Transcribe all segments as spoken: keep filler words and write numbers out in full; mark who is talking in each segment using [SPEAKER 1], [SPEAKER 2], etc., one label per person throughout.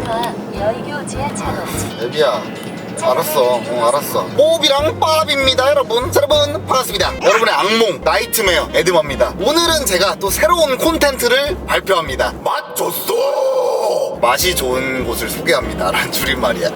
[SPEAKER 1] 여의교 지하차로
[SPEAKER 2] 애비야 알았어 어 알았어 뽀비랑 빠비입니다 여러분. 자, 여러분 반갑습니다. 여러분의 악몽 나이트메어 에드머입니다. 오늘은 제가 또 새로운 콘텐츠를 발표합니다. 맛 좋소. 맛이 좋은 곳을 소개합니다 라는 줄임말이야.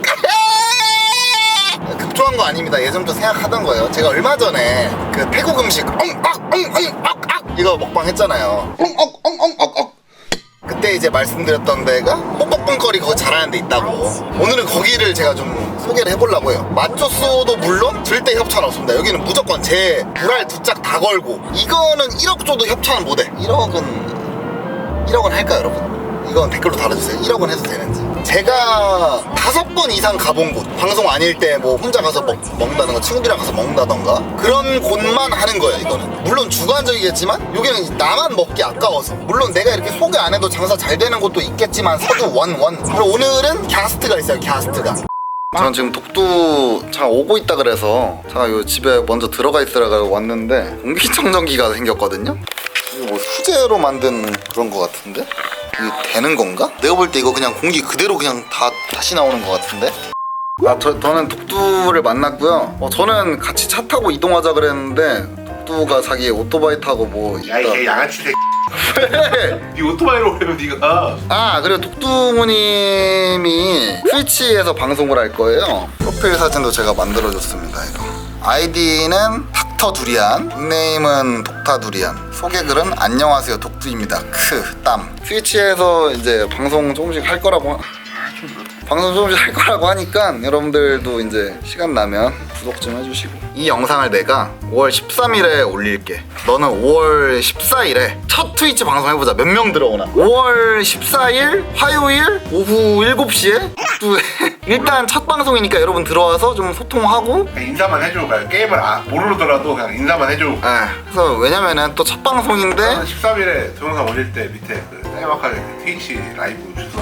[SPEAKER 2] 급조한 거 아닙니다. 예전부터 생각하던 거예요. 제가 얼마 전에 그 태국 음식 엉악엉엉악악 이거 먹방 했잖아요. 엉엉엉엉엉 그때 이제 말씀드렸던 데가 뽕뽕뽕거리 그거 잘하는 데 있다고. 오늘은 거기를 제가 좀 소개를 해보려고 해요. 맛조소도 물론 절대 협찬 없습니다. 여기는 무조건 제 불알 두 짝 다 걸고. 이거는 일억 줘도 협찬은 못해. 일억은 일억은 할까요 여러분? 이건 댓글로 달아주세요. 일억은 해도 되는지. 제가 다섯 번 이상 가본 곳, 방송 아닐 때 뭐 혼자 가서 먹, 먹는다던가 친구들이랑 가서 먹는다던가 그런 곳만 하는 거예요. 이거는 물론 주관적이겠지만 여기는 나만 먹기 아까워서. 물론 내가 이렇게 소개 안 해도 장사 잘 되는 곳도 있겠지만 서도 원원. 그리고 오늘은 갸스트가 있어요. 갸스트가. 저는 지금 독두 잠깐 오고 있다 그래서 제가 요 집에 먼저 들어가 있으라고 왔는데 공기청정기가 생겼거든요. 이거 뭐 수제로 만든 그런 거 같은데? 이게 되는 건가? 내가 볼 때 이거 그냥 공기 그대로 그냥 다 다시 나오는 거 같은데? 아, 저, 저는 독두를 만났고요. 어, 저는 같이 차 타고 이동하자 그랬는데 독두가 자기 오토바이 타고 뭐 있다.
[SPEAKER 3] 야이 양아치 새끼.
[SPEAKER 2] 왜?
[SPEAKER 3] 네 오토바이로 오려면 네가.
[SPEAKER 2] 아, 그리고 독두무님이 트위치에서 방송을 할 거예요. 프로필 사진도 제가 만들어줬습니다. 이거 아이디는 닥터 두리안, 닉네임은 독타 두리안, 소개글은 안녕하세요 독두입니다. 크, 땀. 트위치에서 이제 방송 조금씩 할 거라고 방송 조금씩 할 거라고 하니까 여러분들도 이제 시간 나면 구독 좀 해주시고. 이 영상을 내가 오월 십삼일에 올릴게. 너는 오월 십사일에 첫 트위치 방송 해보자. 몇 명 들어오나. 오월 십사일 화요일 오후 일곱시에 또 일단 첫 방송이니까 여러분 들어와서 좀 소통하고.
[SPEAKER 3] 그냥 인사만 해줘. 그냥 게임을 아, 모르더라도 그냥 인사만 해줘.
[SPEAKER 2] 네, 그래서 왜냐면은 또 첫 방송인데
[SPEAKER 3] 십삼일에 동영상 올릴 때 밑에 그 짤막하게 트위치 라이브 주소.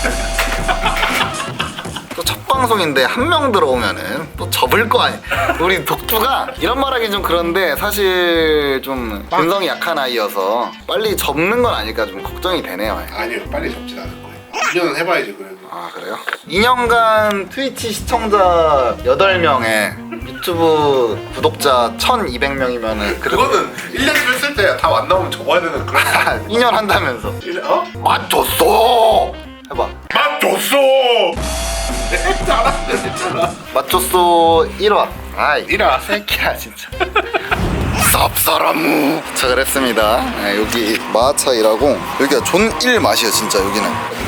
[SPEAKER 2] 또 첫 방송인데 한 명 들어오면은 또 접을 거 아니야. 우리 독두가 이런 말하기 좀 그런데 사실 좀 근성이 약한 아이여서 빨리 접는 건 아닐까 좀 걱정이 되네요.
[SPEAKER 3] 아니요, 빨리 접진 않을 거예요. 이 년은 해봐야지 그래도.
[SPEAKER 2] 아, 그래요? 이 년간 트위치 시청자 여덟 명에 유튜브 구독자 천이백 명이면은
[SPEAKER 3] 그거는 일 년 했을 때 다 안 나오면 접어야 되는 그런.
[SPEAKER 2] 이 년 한다면서.
[SPEAKER 3] 일 년- 어?
[SPEAKER 2] 맞췄어! 해봐.
[SPEAKER 3] 맞줬어. 잘한다 진짜.
[SPEAKER 2] 맞췄어 일 화. 아이
[SPEAKER 3] 이라.
[SPEAKER 2] 새끼야 진짜. 쌉사람. 도착을 했습니다. 네, 여기 마차이라고. 여기가 존일 맛이야 진짜 여기는.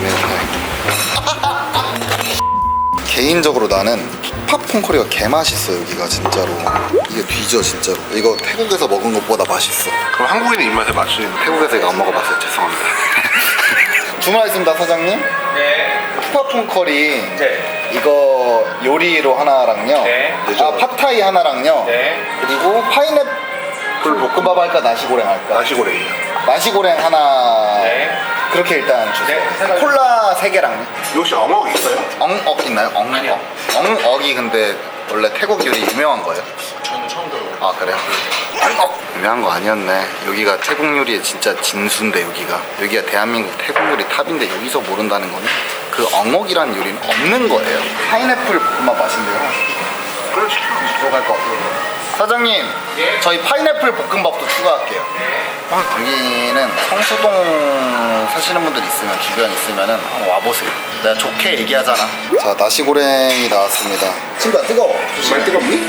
[SPEAKER 2] 개인적으로 나는 힙합콘커리가 개맛있어. 여기가 진짜로 이게 뒤져 진짜로. 이거 태국에서 먹은 것보다 맛있어.
[SPEAKER 3] 그럼 한국인의 입맛에 맞추는.
[SPEAKER 2] 태국에서 이거 안 먹어봤어요. 죄송합니다. 주문하겠습니다 사장님.
[SPEAKER 4] 네.
[SPEAKER 2] 힙합콘커리
[SPEAKER 4] 네.
[SPEAKER 2] 이거 요리로 하나랑요.
[SPEAKER 4] 네.
[SPEAKER 2] 아 팟타이 하나랑요.
[SPEAKER 4] 네.
[SPEAKER 2] 그리고 파인애플 볶음밥 할까 나시고랭 할까?
[SPEAKER 3] 나시고랭이요.
[SPEAKER 2] 나시고랭 하나.
[SPEAKER 4] 네.
[SPEAKER 2] 그렇게 일단 주세요.
[SPEAKER 4] 네, 세 가지.
[SPEAKER 2] 콜라 세 개랑.
[SPEAKER 3] 혹시 어묵 있어요?
[SPEAKER 2] 엉억 있나요? 엉억.
[SPEAKER 4] 아니요.
[SPEAKER 2] 엉억이 근데 원래 태국 요리 유명한 거예요?
[SPEAKER 4] 저는 처음 들어요.
[SPEAKER 2] 아 그래요? 엉억 유명한 거 아니었네. 여기가 태국 요리의 진짜 진수인데 여기가 여기가 대한민국 태국 요리 탑인데 여기서 모른다는 거는 그 엉억이라는 요리는 없는 거예요. 파인애플 볶음밥 맛인데요.
[SPEAKER 3] 그럼 시켜.
[SPEAKER 2] 들어갈 것 같아요. 사장님,
[SPEAKER 4] 예?
[SPEAKER 2] 저희 파인애플 볶음밥도 추가할게요. 여기는 성수동 사시는 분들 있으면 주변 있으면은 한번 와보세요. 내가 좋게 얘기하잖아. 자, 나시고랭이 나왔습니다. 친구야 뜨거워.
[SPEAKER 3] 정말 뜨겁니?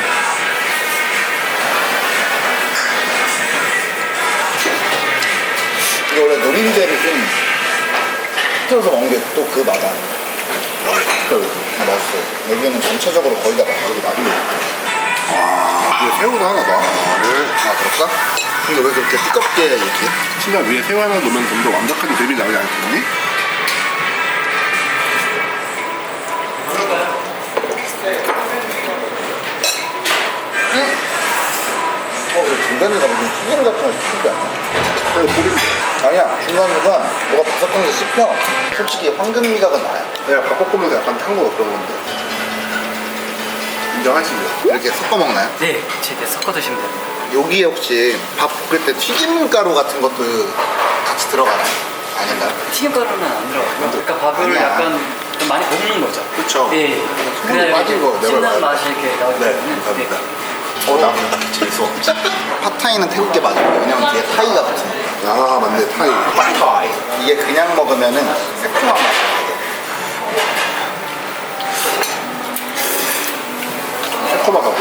[SPEAKER 2] 이게 원래 노린재를 좀 틀어서 먹는 게 또 그 맛 아니야. 그 맛있어. 여기는 전체적으로 거의 다 맛있어. 여기 나도. 아,
[SPEAKER 3] 위에 새우도 하나 더.
[SPEAKER 2] 아 그럴까? 근데 왜 그렇게 뜨겁게 이렇게?
[SPEAKER 3] 친구야 위에 새우 하나 넣으면 좀 더 완벽하게 대비 나오지 않겠니?
[SPEAKER 2] 어, 그 중간에가 무슨 튀김 같은 거 시키지 않나?
[SPEAKER 3] 그래 고기.
[SPEAKER 2] 아니야, 중간에가 뭐가 바삭한 게 씹혀. 솔직히 황금 미각은 나야.
[SPEAKER 3] 내가 밥 볶으면서 약간 탄 거 그런 건데. 인정하시죠?
[SPEAKER 2] 이렇게 섞어 먹나요?
[SPEAKER 4] 네, 제게 섞어 드시면 됩니다.
[SPEAKER 2] 여기에 혹시 밥 볶을 때 튀김가루 같은 것도 같이 들어가나요? 아닌가요?
[SPEAKER 4] 튀김가루는 안 들어가고요. 그러니까 밥을
[SPEAKER 2] 아니야.
[SPEAKER 4] 약간 좀 많이 볶는 거죠.
[SPEAKER 3] 그쵸.
[SPEAKER 4] 예.
[SPEAKER 3] 소금이 빠진 거 내가
[SPEAKER 4] 신나는
[SPEAKER 3] 봐요.
[SPEAKER 4] 맛이 이렇게 나오기
[SPEAKER 3] 네,
[SPEAKER 4] 때문에.
[SPEAKER 3] 감사합니다.
[SPEAKER 2] 어, 나 재밌어. 팟타이는 태국게 맞아요. 왜냐면 뒤에 타이가 붙으니까.
[SPEAKER 3] 아 맞네 타이. 타이.
[SPEAKER 2] 이게 그냥 먹으면은 새콤한 맛이 나요.
[SPEAKER 3] 새콤하다고.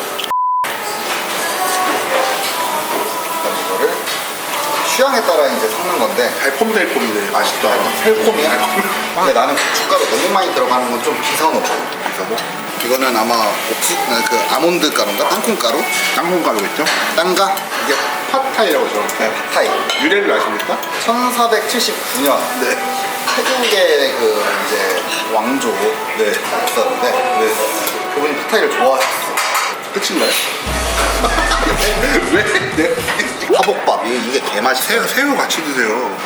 [SPEAKER 2] 이거를 취향에 따라 이제 섞는 건데
[SPEAKER 3] 달콤달콤이네. 맛있다.
[SPEAKER 2] 새콤이야. 근데 나는 고춧가루 너무 많이 들어가는 건 좀 비싸놓고.
[SPEAKER 3] 비싸고.
[SPEAKER 2] 이거는 아마 옥수, 아, 그 아몬드 가루인가? 땅콩가루?
[SPEAKER 3] 땅콩가루겠죠?
[SPEAKER 2] 땅가?
[SPEAKER 3] 이게 팟타이라고 죠
[SPEAKER 2] 네, 팟타이.
[SPEAKER 3] 유래를 아십니까?
[SPEAKER 2] 천사백칠십구 년
[SPEAKER 3] 네.
[SPEAKER 2] 태국의 그 이제 왕조
[SPEAKER 3] 네.
[SPEAKER 2] 있었는데
[SPEAKER 3] 네.
[SPEAKER 2] 그분이 팟타이를 좋아하셨어.
[SPEAKER 3] 끝인가요? 왜? 네.
[SPEAKER 2] 화복밥 이게, 이게 개맛있어요.
[SPEAKER 3] 새우, 새우 같이 드세요.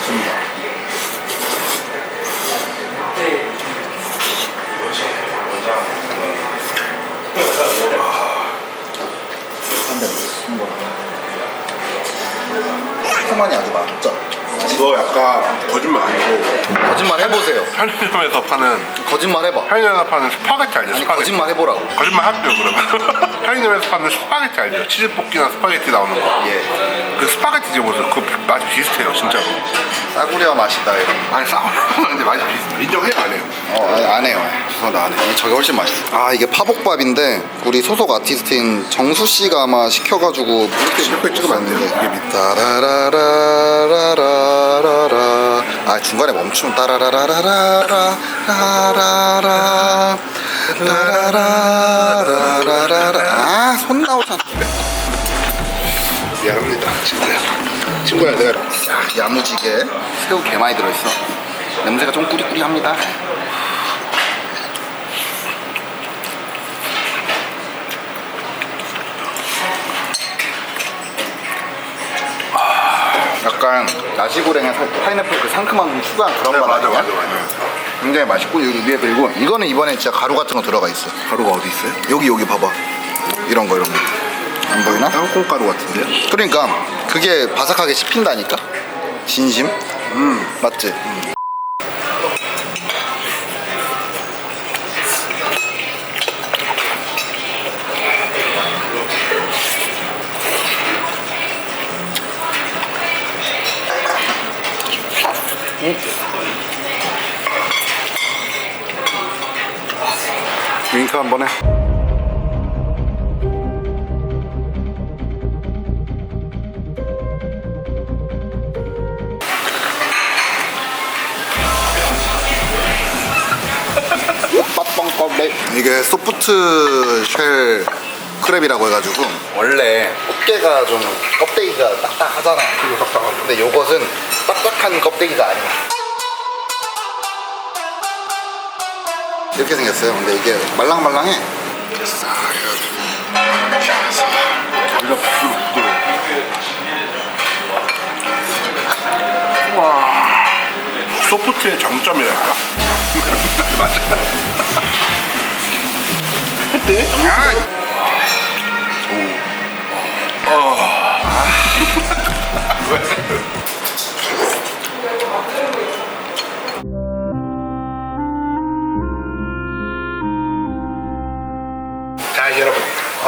[SPEAKER 2] 새콤하니 아주 맛있죠.
[SPEAKER 3] 이거 약간 거짓말 아니고
[SPEAKER 2] 거짓말 해보세요.
[SPEAKER 3] 편의점에서 파는
[SPEAKER 2] 거짓말 해봐.
[SPEAKER 3] 편의점에서 파는 스파게티 알죠?
[SPEAKER 2] 아니
[SPEAKER 3] 스파게티.
[SPEAKER 2] 거짓말 해보라고.
[SPEAKER 3] 거짓말 할게요 그러면. 편의점에서 파는 스파게티 알죠? 치즈볶이나 스파게티 나오는 거.
[SPEAKER 2] 예.
[SPEAKER 3] 그 스파게티 집어서 그 맛이 비슷해요 진짜로.
[SPEAKER 2] 싸구려 맛이다 이런.
[SPEAKER 3] 아니 싸우는데 맛이 비슷해. 인정해요 안 해요?
[SPEAKER 2] 어, 아니, 안 해요. 죄송합니다, 안 해요. 저게 훨씬 맛있어. 아, 이게 파복밥인데 우리 소속 아티스트인 정수 씨가 아마 시켜가지고
[SPEAKER 3] 이렇게 이렇게 찍으면 안 돼요. 이게 밑.
[SPEAKER 2] 따라라라라라라라. 아, 중간에 멈추면 따라라라라라라라라 라라라라라라라. 아, 손 나오잖아.
[SPEAKER 3] 미안합니다 친구야. 친구야 내가
[SPEAKER 2] 야, 야무지게 새우 개 많이 들어있어. 냄새가 좀 꾸리꾸리합니다. 약간 나시고랭에 살- 파인애플 그 상큼한 좀 추가한 그런
[SPEAKER 3] 네,
[SPEAKER 2] 맛
[SPEAKER 3] 맞아
[SPEAKER 2] 아니야?
[SPEAKER 3] 맞아 맞아.
[SPEAKER 2] 굉장히 맛있고 여기 위에 그리고 이거는 이번에 진짜 가루 같은 거 들어가 있어.
[SPEAKER 3] 가루가 어디 있어요?
[SPEAKER 2] 여기 여기 봐봐. 이런 거 이런 거. 안 보이나?
[SPEAKER 3] 땅콩가루 같은데요?
[SPEAKER 2] 그러니까 그게 바삭하게 씹힌다니까. 진심? 음 맞지? 음. 윙크 한번 해. 이게 소프트 쉘 크랩이라고 해가지고 원래 꽃게가 좀 껍데기가 딱딱하잖아.
[SPEAKER 3] 이거 딱딱하고.
[SPEAKER 2] 근데 요것은 딱딱한 껍데기가 아니야. 이렇게 생겼어요. 근데 이게 말랑말랑해. 싹 해가지고
[SPEAKER 3] 완전 부드러워. 와 소프트의 장점이랄까? 맞아. 네? 아. 오. 어. 자 여러분.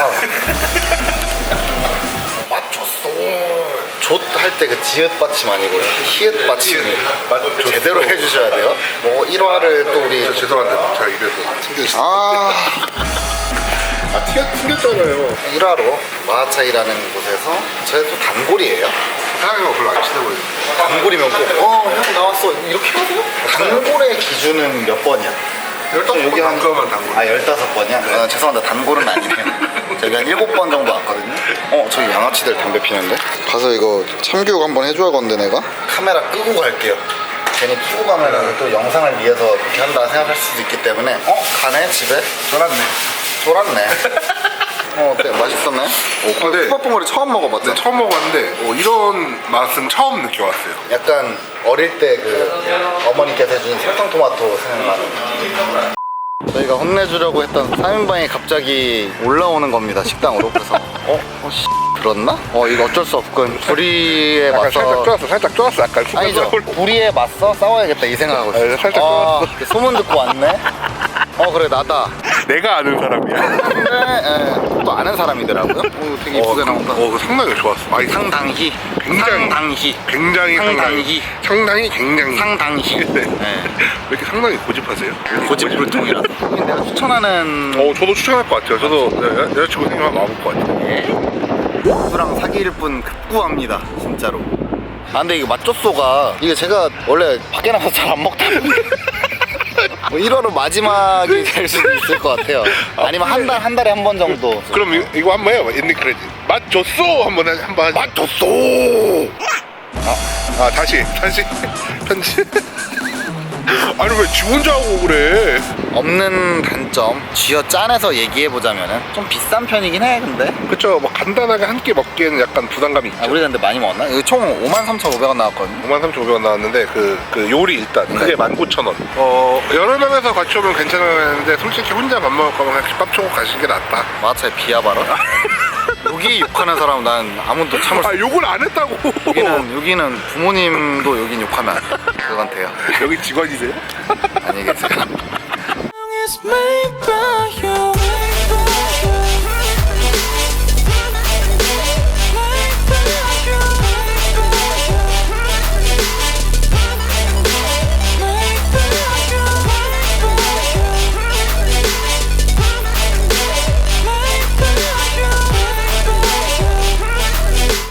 [SPEAKER 2] 맛 줬어. 좆할 때 그 지읒 받침 아니고 히읗 받침
[SPEAKER 3] 맛 줬어.
[SPEAKER 2] 제대로 해주셔야 돼요. 뭐 일 화를 또 우리
[SPEAKER 3] 저 죄송한데 제가 입에서 튕겨주세요.
[SPEAKER 2] 아
[SPEAKER 3] 아 튕겨, 튕겼잖아요.
[SPEAKER 2] 일 화로 마하차이라는 곳에서 저희 또 단골이에요.
[SPEAKER 3] 사장님은 별로 안 친해 보이는데.
[SPEAKER 2] 단골이면 꼭 어 형 나왔어 이렇게 하세요? 단골의 기준은 몇 번이야?
[SPEAKER 3] 열다섯
[SPEAKER 2] 여기
[SPEAKER 3] 번
[SPEAKER 2] 한
[SPEAKER 3] 단골만 단골.
[SPEAKER 2] 아 열다섯 번이야? 아, 죄송합니다 단골은 아니에요. 저기 한 일곱 번 정도 왔거든요. 어 저기 양아치들 담배 피는데? 가서 이거 참교육 한번 해줘야겠는데 내가? 카메라 끄고 갈게요. 괜히 켜고 가면 또 영상을 위해서 이렇게 한다 생각할 수도 있기 때문에 어? 가네 집에?
[SPEAKER 3] 쫄았네.
[SPEAKER 2] 쫄았네. 어 어때? 맛있었나요?
[SPEAKER 3] 어, 근데
[SPEAKER 2] 호박봉어리 처음 먹어봤죠?
[SPEAKER 3] 네, 처음 먹었는데 어, 이런 맛은 처음 느껴봤어요.
[SPEAKER 2] 약간 어릴 때 그 어머니께서 해준 설탕토마토 생각나는. 저희가 혼내주려고 했던 삼 인방이 갑자기 올라오는 겁니다 식당으로. 그래서 어 어? 어 씨. 들었나? 어 이거 어쩔 수 없군. 불의에
[SPEAKER 3] 약간
[SPEAKER 2] 맞서.
[SPEAKER 3] 살짝 쫄았어 살짝 쫄았어 약간
[SPEAKER 2] 아니죠.
[SPEAKER 3] 순간적으로.
[SPEAKER 2] 불의에 맞서 싸워야겠다 이 생각하고 있어.
[SPEAKER 3] 아, 살짝
[SPEAKER 2] 아,
[SPEAKER 3] 쫄았어.
[SPEAKER 2] 소문 듣고 왔네. 어 그래 나다.
[SPEAKER 3] 내가 아는 사람이야.
[SPEAKER 2] 근데 예, 또 아는 사람이더라고요. 오, 되게 이쁘게 나온다.
[SPEAKER 3] 어, 그 상당히 좋았어. 아니,
[SPEAKER 2] 상당히.
[SPEAKER 3] 굉장히-
[SPEAKER 2] 상당히.
[SPEAKER 3] 굉장히
[SPEAKER 2] 상당히.
[SPEAKER 3] 상당히 굉장히
[SPEAKER 2] 상당히.
[SPEAKER 3] 네.
[SPEAKER 2] 네.
[SPEAKER 3] 왜 이렇게 상당히 고집하세요?
[SPEAKER 2] 고집불통이라서. 내가 추천하는
[SPEAKER 3] 어 저도 추천할 것 같아요. 저도 네, 여- 여자친구 생기면 와볼 것 같아요.
[SPEAKER 2] 수랑 사귈 분 급구합니다 진짜로. 아 근데 이거 맛조소가 이게 제가 원래 밖에 나가서 잘 안 먹다 보니 뭐 일 화로 마지막이 될 수도 있을 것 같아요. 아니면 한 달 한 달에 한 번 정도.
[SPEAKER 3] 그럼 이, 이거 한번 해요. 엔딩 크레딧. 맛 줬어 한번 해- 한번 하자.
[SPEAKER 2] 맛 줬어.
[SPEAKER 3] 아 다시 다시 편지. 아니 왜 지 혼자 하고 그래?
[SPEAKER 2] 없는 단점 쥐어 짠해서 얘기해보자면은 좀 비싼 편이긴 해 근데.
[SPEAKER 3] 그쵸. 뭐 간단하게 한 끼 먹기에는 약간 부담감이 있죠.
[SPEAKER 2] 아, 우리 근데 많이 먹었나? 이거 총 오만 삼천오백 원 나왔거든요.
[SPEAKER 3] 오만 삼천오백 원 나왔는데 그, 그 요리 일단
[SPEAKER 2] 네.
[SPEAKER 3] 그게 만 구천 원. 어 여러 명에서 같이 오면 괜찮았는데 솔직히 혼자 밥 먹을 거면 그냥 집밥 초고 가시는 게 낫다.
[SPEAKER 2] 마차에 비하 발언? 여기 욕하는 사람 난 아무도 참을 수
[SPEAKER 3] 아 욕을 안 했다고.
[SPEAKER 2] 여기는 여기는 부모님도 여긴 욕하면 안 돼. 그건 돼요.
[SPEAKER 3] 여기 직원이세요?
[SPEAKER 2] 안녕히 계세요.
[SPEAKER 5] is made by